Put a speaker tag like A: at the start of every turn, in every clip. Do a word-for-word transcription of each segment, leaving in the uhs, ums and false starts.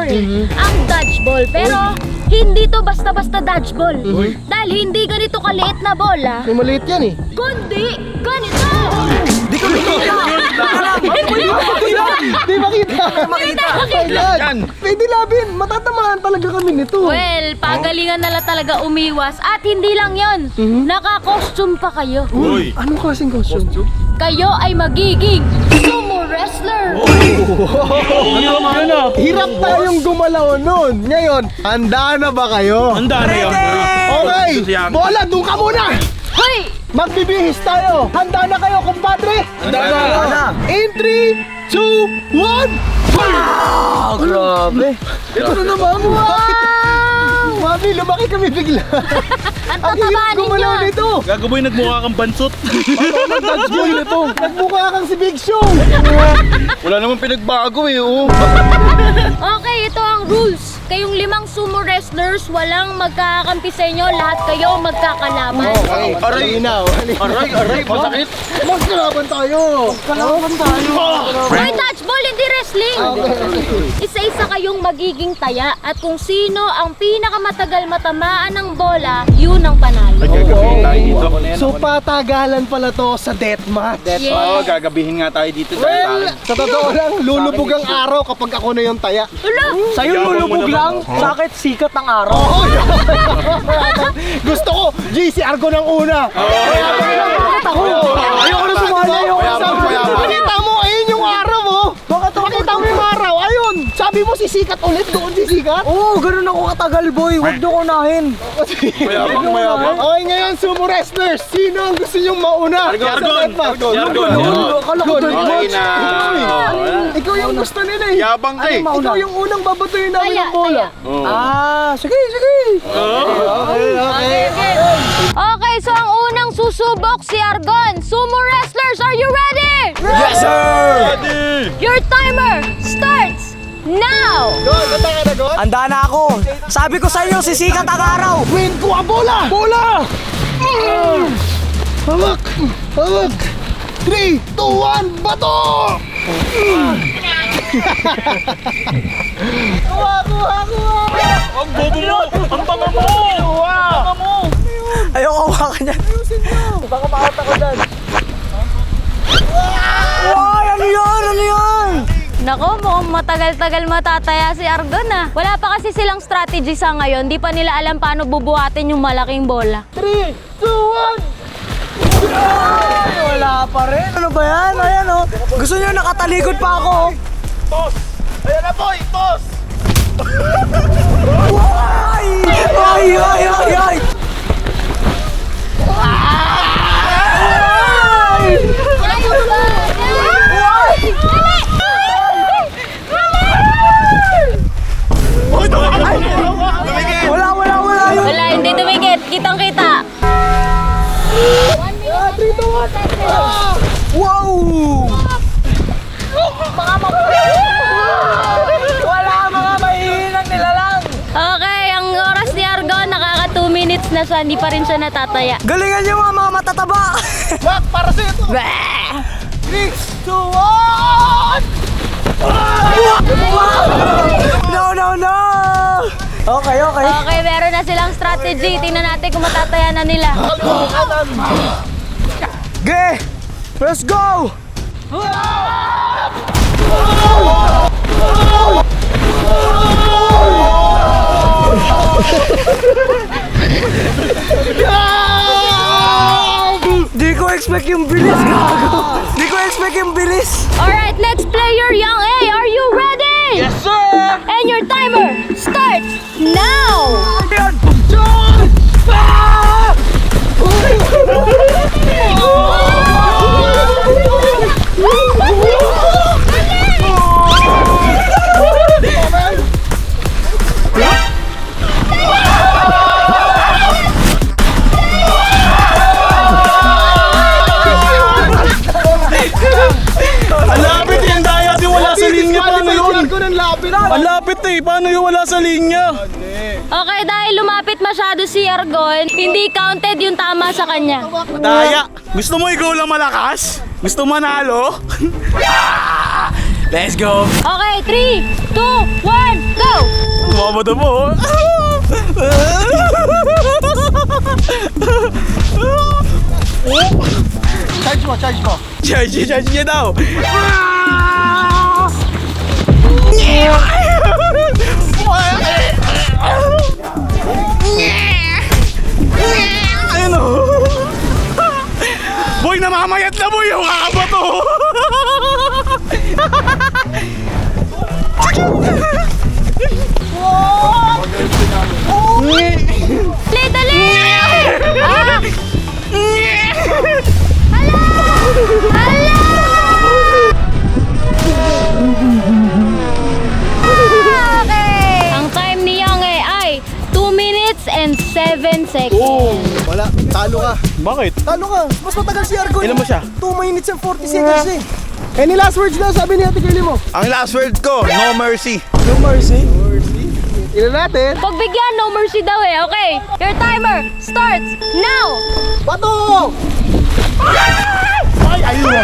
A: ang dodgeball. Pero hindi to basta-basta dodgeball. Dahil hindi ganito kaliit na bola,
B: May maliit yan eh.
A: kundi ganito!
B: Di ko makita! Di makita!
A: Makita!
B: Ayan! Pwede labin! Matatamaan talaga kami nito.
A: Well, pagalingan na lang talaga umiwas. At hindi lang yon, naka-costume pa kayo.
B: Uy! Anong klaseng costume?
A: Kayo ay magiging sumo wrestler!
B: Hirap tayong gumalaw nun. Ngayon, handa na ba kayo?
C: Handa na yan.
B: Okay! Bola, doon ka muna!
A: Hoy!
B: Magbibihis tayo! Handa na kayo, kumpadre?
C: Handa na.
B: In three, two, one! Wow! Grabe! Ito na naman! Wow! Mami, lumaki kami bigla.
A: Ang
B: Ang hirap
A: tatabanin
B: gumalaw
A: nyo!
B: nito.
C: Gagaboy nagmukha kang bansot.
B: Nag-dodgeball nito. Nagmukha kang si Big Show.
C: Wala namang pinagbago eh. Oh.
A: Okay, ito ang rules. Kayong limang sumo wrestlers, walang magkakampi sa inyo. Lahat kayo magkakalaban.
B: Okay,
C: Aray.
B: Inaw.
C: Aray, aray, masakit.
B: Magkalaban tayo. Magkalaban tayo.
A: Hoy, dodgeball, hindi wrestling! Isa-isa kayong magiging taya. At kung sino ang pinakamatagal matamaan ng bola, yun ang panalo.
C: Gagabihin tayo dito.
B: So patagalan pala to sa deathmatch.
A: Yes.
C: Oo, gagabihin nga tayo dito.
B: Well, sa totoo lang, lulubog ang araw kapag ako na yung taya.
A: Ulo!
B: Sa'yo
C: Yabang mo
B: lulubog
C: naman.
B: lang, sakit sikat ang araw. Oo, gusto ko, G C Argo ng una. Bakit ako? Ayoko na sumali. Ayoko na sumali. Pakita mo, ayun yung araw mo. Bakit pakita mo yung araw? Ayun, sabi mo sisikat ulit, doon sisikat? Oo, ganun ako katagal, boy. Huwag niyo kunahin.
C: Mayabang, mayabang.
B: Okay, ngayon, sumo wrestlers. Sino ang gusto nyong mauna?
C: Argon,
B: Sa
C: Argon.
B: deathmatch?
C: Argon, Argon.
B: Akala ko
C: Okay
B: deathmatch.
C: na.
B: Uy, ikaw yung gusto nila eh.
C: Yabang ka eh.
B: Ikaw yung unang babatuhin namin
A: Taya,
B: ng bola.
C: Oo.
B: Ah, sige, sige. Okay, okay.
A: Okay, so ang unang susubok si Argon. Sumo wrestlers, are you ready?
B: Yes, sir!
C: Ready!
A: Your timer starts now!
B: Go, ganda ka na, God?
D: Handa na ako. Sabi ko sa inyo, sisikat ang araw.
B: Win ko ang bola! Bola! Mm. Hawak! Hawak! three, two, one, bato! Mm. Kuha, kuha, kuha!
C: Ang bobo mo! Ang banga mo! Ang banga mo!
D: Ayoko hawakan yan.
B: Ayusin mo! Baka maot ako dyan.
D: Wow, ano yan? Ano yan?
A: Nako, mukhang matagal-tagal matataya si Argon ah. Wala pa kasi silang strategy sa ngayon. Di pa nila alam paano bubuhatin yung malaking bola.
B: three, two, one!
D: Ay, wala pa rin. Ano ba yan? Ayan oh. Gusto niyo nakatalikod pa ako. oh.
C: Toss! Ayan na boy! Toss!
D: Ay! Ay, ay, ay, ay!
A: Ayun ba?
D: Wala, wala, wala yun.
A: Wala, hindi tumigit. Kitang-kita.
B: three, two, one!
D: Wow! Wala, mga mahihinang nilalang.
A: Okay, ang oras ni Argon, nakaka two minutes na siya. Hindi pa rin siya natataya.
D: Galingan niyo mga mga matataba.
B: Back, para sa'yo to! three, two, one!
D: No, no, no! Okay, okay.
A: Okay, meron na silang strategy. Tingnan natin kung matataya na nila.
D: Okay, let's go! Di ko expect yung bilis, gago. Di ko expect yung bilis.
A: Alright, let's play your Young A. Are you ready?
C: Yes sir!
A: And your timer starts now!
C: Ang lapit yung daya di wala sa linya. Paano yun?
B: Ko ng lapit.
C: Ang lapit eh. Paano yung wala sa linya?
A: Okay, dahil lumapit masyado si Argon, hindi counted yung tama sa kanya.
C: Daya. Gusto mo ikaw lang malakas? Gusto manalo? Let's go!
A: Okay, three, two, one, go!
C: Nakakabato po.
B: Charge mo, charge mo.
C: Charge, charge niya daw. Ayun o. Boy, namamayat na boy. Yung kakabato.
A: Dali, dali! Ah! Hala! Okay! Ang time ni Yang eh ay two minutes and seven seconds.
B: Wala, talo ka.
C: Bakit?
B: Talo ka. Mas matagal si Argon.
C: Ilan mo siya?
B: two minutes and forty seconds eh. Any last words na sabi ni Ate Girlie mo?
C: Ang last word ko, no mercy.
B: No mercy. Ilan natin?
A: Pagbigyan, no mercy daw eh. Okay, your timer starts now!
B: Bato! Ay, ayun.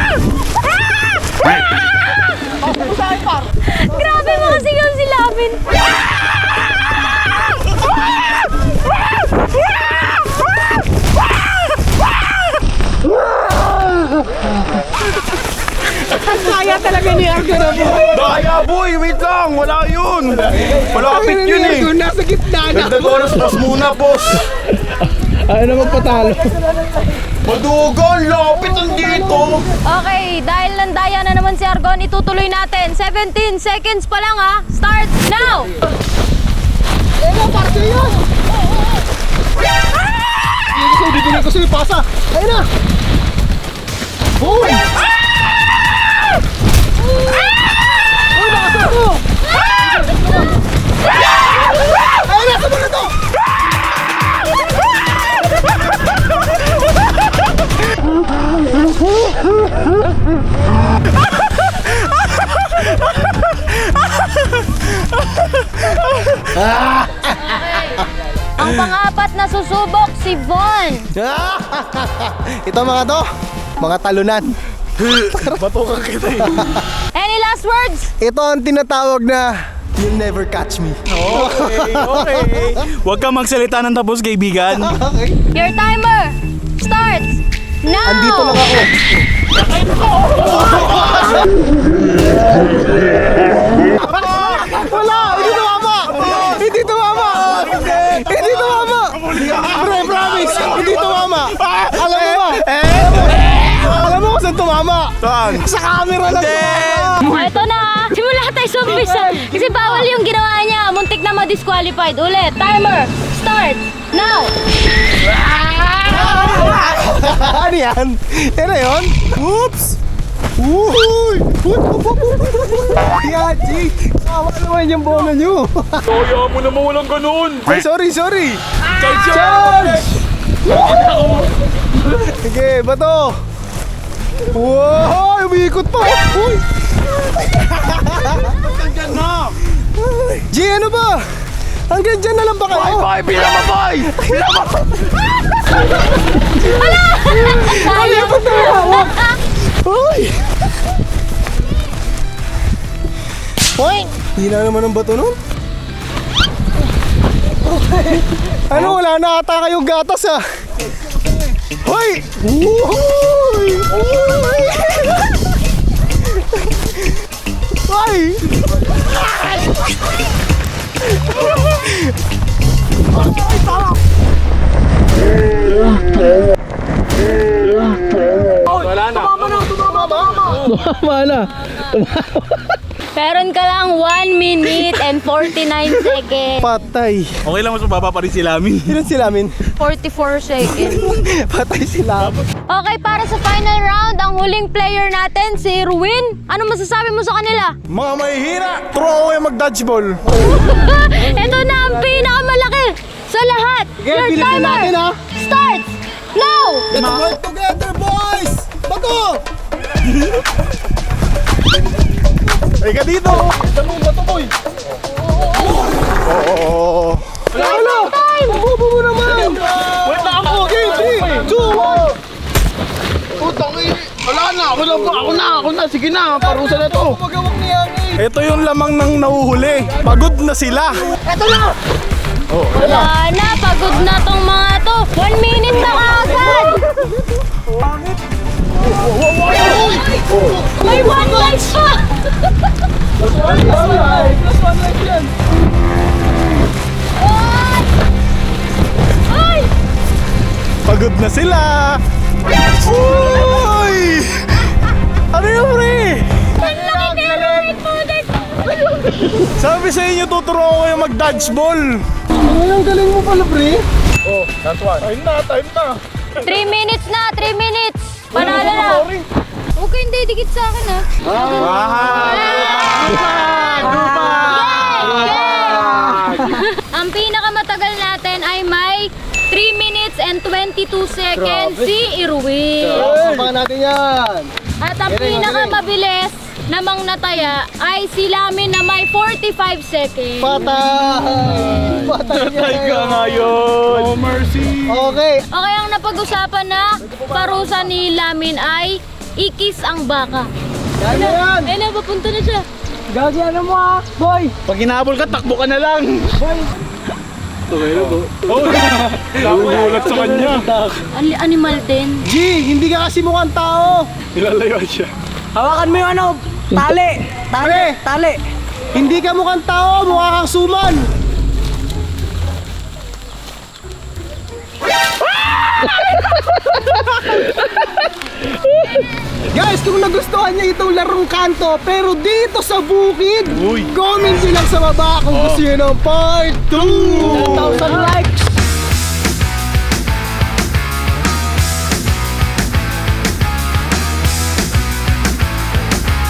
A: Grabe mga sigaw si Lavin.
B: Kaya talaga ni Argon na po.
C: Daya boy, wait lang. Wala yun. Malapit yun eh.
B: Nasa gitna na.
C: Dagdag oras, pas muna, boss.
B: Ayaw na magpatalo.
C: Madugon, lapit ang dito.
A: Okay, dahil nandaya na naman si Argon, itutuloy natin. seventeen seconds pa lang ha. Start now!
B: Ano, parte yun? Dito ko, dito ko sa'yo, pasa. Ayun na. Boom! Uy, nakasal ko! Ayun na, sabon na to!
A: Ang pang-apat na susubok, si Von.
B: Ito mga to, mga talunan.
C: Batukan kita eh.
A: Any last words?
B: Ito ang tinatawag na you'll never catch me.
C: Okay, okay. Huwag kang magsalita ng tapos, kaibigan.
B: Okay.
A: Your timer starts now!
B: Andito lang ako. Wala! Hindi tumama! Hindi tumama! Hindi tumama! Pre, promise! Hindi tumama! Alam mo ba? Alam mo kung saan tumama?
C: Saan?
B: Sa camera lang tumama!
A: Oh, ito na ha. Simula tayo sa umpisa. Kasi bawal yung ginawa niya. Muntik na ma-disqualified. Ulit. Timer. Start. Now.
B: Ano yan? Yan na yun? Oops! Uy! Yachi! Kawa naman yung bola nyo!
C: Kaya mo naman walang ganun.
B: Ay, sorry, sorry!
C: Charge!
B: Charge! Sige, bato! Wow! Umiikot pa! Uy!
C: Hanggang na!
B: G, ano ba? Hanggang dyan na lang ba kayo?
C: Bye, pinama, boy! Pinama!
B: Ay, ba't tumawak? Uy! Uy! Hindi na naman ang bato nun. Ano, wala na ata kayong gatas ah. Hoy! Uy! Uy! Ay!
C: Wala na.
B: Tumama na.
A: Meron ka lang one minute and forty-nine seconds.
B: Patay.
C: Okay lang, mas mababa pa rin sila amin.
B: Ilan sila min?
A: forty-four seconds.
B: Patay sila.
A: Okay, para sa final round, ang huling player natin, si Ruin. Ano masasabi mo sa kanila?
B: Mga mahihira. Turo ako yung mag-dodgeball.
A: Ito na ang pinakamalaki sa lahat.
B: Okay,
A: Your
B: bilisan
A: timer
B: natin, ha?
A: starts now!
B: Let's work together, boys! Bato! Ay ka dito! Saan mo bato, boy? Oo. Wala, wala! Mabubo mo naman! Wait na ako! Okay, three, two, one! Putang eh! Wala na! Ako na! Ako na! Ako na!
C: sige na, parusa na to.
B: Magawak niya eh.
C: Ito yung lamang ng nahuhuli. Pagod na sila.
B: Ito na!
A: Wala na, pagod na tong mga to. One minute na kaagad. May one life pa. Ay! Ay!
C: Pagod na sila. Uy! Ano yun, pre?
A: Ang laki na yung pudet.
C: Sabi sa inyo, tuturuan ko kayo mag-dodgeball.
B: Ang galing mo pala, pre.
C: Oh, that's one. Time na, time na.
A: Three minutes na, three minutes. Panalo na. Huwag kayong didikit sa akin, ha? Ang pinakamatagal natin ay may three minutes and twenty-two seconds si Irwin.
B: Abangan natin yan.
A: At ang pinakamabilis namang nataya ay si Lamin na may forty-five seconds.
B: Patay! Patay
C: Patay ka ngayon. No mercy.
B: Okay.
A: Okay, ang napag-usapan na parusa ni Lamin ay ikis ang baka.
B: Yan na yan.
A: Ayun na, papunta na siya.
D: Gagi, ano mo ah, boy?
C: Pag hinabol ka, takbo ka na lang.
D: Boy,
C: Oh, nagugulat sa kanya.
A: An- animal din.
B: G, hindi ka kasi mukhang tao.
C: Nilalayo siya.
D: hawakan mo yung ano, tali. Tali, tali.
B: Hindi ka mukhang tao, mukha kang suman. Guys, kung nagustuhan niya itong larong kanto, pero dito sa bukid,
C: Uy.
B: comment nyo lang sa baba kung gusto nyo ng part two. ten thousand likes.